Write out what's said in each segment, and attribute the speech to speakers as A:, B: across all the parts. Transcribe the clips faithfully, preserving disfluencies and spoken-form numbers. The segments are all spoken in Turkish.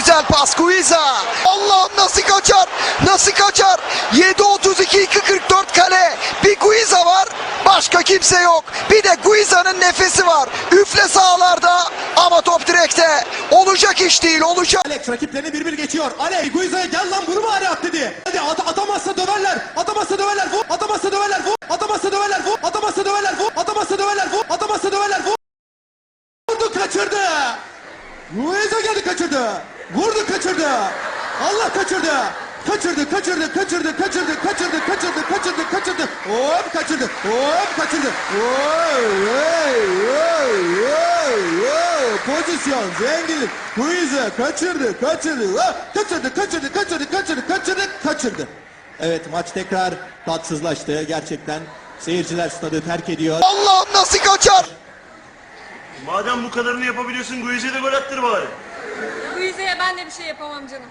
A: Güzel pas Guiza. Allah'ım nasıl kaçar? Nasıl kaçar? yedi otuz iki iki kırk dört kale. Bir Guiza var. Başka kimse yok. Bir de Guiza'nın nefesi var. Üfle sahalarda ama top direkte. Olacak iş değil, olacak.
B: Alex rakiplerini bir bir geçiyor. Alex Guiza'ya gel lan vurma araya at dedi. Hadi at atamazsa döverler. Atamazsa döverler. Vur. Atamazsa döverler. Vur. Atamazsa döverler. Vur. Atamazsa döverler. Vur. Atamazsa döverler. Vur. Atamazsa döverler. Vur. Vurdu kaçırdı. Guiza geldi kaçırdı. Vurdu kaçırdı. Allah kaçırdı. Kaçırdı, kaçırdı, kaçırdı, kaçırdı, kaçırdı, kaçırdı, kaçırdı, kaçırdı. Hop kaçırdı. Hop kaçırdı. Oy, oy, oy, oy, oy. Pozisyon, zenginlik. Guiza kaçırdı, kaçırdı. Hop, kaçırdı, kaçırdı, kaçırdı, kaçırdı, kaçırdı, kaçırdı. Evet maç tekrar tatsızlaştı. Gerçekten seyirciler stadı terk ediyor.
A: Allah'ım nasıl kaçar?
C: Madem bu kadarını yapabiliyorsun Guize'ye de gol attır bari.
D: Guize'ye ben de bir şey yapamam canım.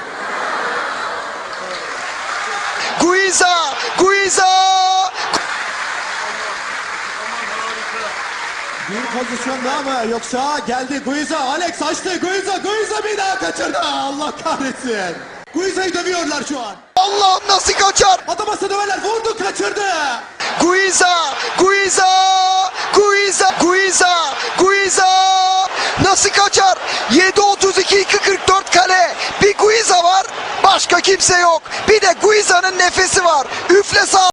A: Guiza, Guiza.
B: Bir pozisyon daha mı yoksa geldi Guiza, Alex açtı, Guiza, Guiza bir daha kaçırdı. Allah kahretsin. Guiza'yı dövüyorlar şu an.
A: Allah'ım nasıl kaçar?
B: Atamazsa döverler, vurdu kaçırdı.
A: Guiza, Guiza, Guiza, Guiza, Guiza. Nasıl kaçar? yedi otuz iki iki kırk dört kale. Bir Guiza var. Başka kimse yok. Bir de Guiza'nın nefesi var. Üfle sağ.